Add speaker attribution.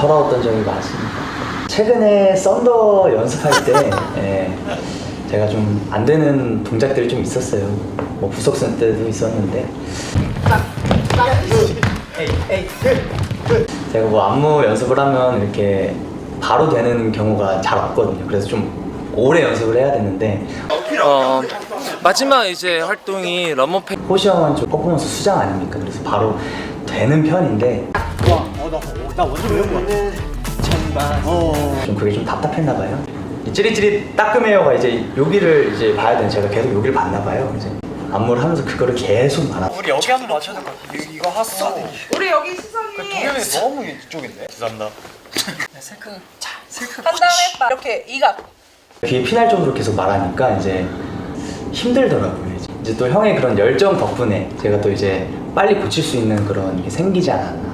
Speaker 1: 서러웠던 적이 많습니다. 최근에 썬더 연습할 때 제가 좀 안 되는 동작들이 좀 있었어요. 뭐 부석순 때도 있었는데 제가 뭐 안무 연습을 하면 이렇게 바로 되는 경우가 잘 없거든요. 그래서 좀 오래 연습을 해야 되는데
Speaker 2: 마지막 이제 활동이 런머페.
Speaker 1: 호시 형은 좀 퍼포먼스 수장 아닙니까? 그래서 바로 되는 편인데
Speaker 3: 나 완전 외운 거야.
Speaker 1: 좀 그게 좀 답답했나 봐요. 이 찌릿찌릿 따끔해요가 이제 여기를 이제 봐야 되는 제가 계속 여기를 봤나 봐요. 이제 안무를 하면서 그거를 계속 말아.
Speaker 3: 우리 여기 한번 맞춰야 될 것 같아. 이거 하고.
Speaker 4: 우리 여기 시선이
Speaker 3: 동현이 너무 이쪽인데. 죄송합니다.
Speaker 4: 한 다음에 딱 이렇게 이각.
Speaker 1: 귀에 피날 정도로 계속 말하니까 이제 힘들더라고요. 이제 또 형의 그런 열정 덕분에 제가 또 이제 빨리 고칠 수 있는 그런 게 생기지 않았나.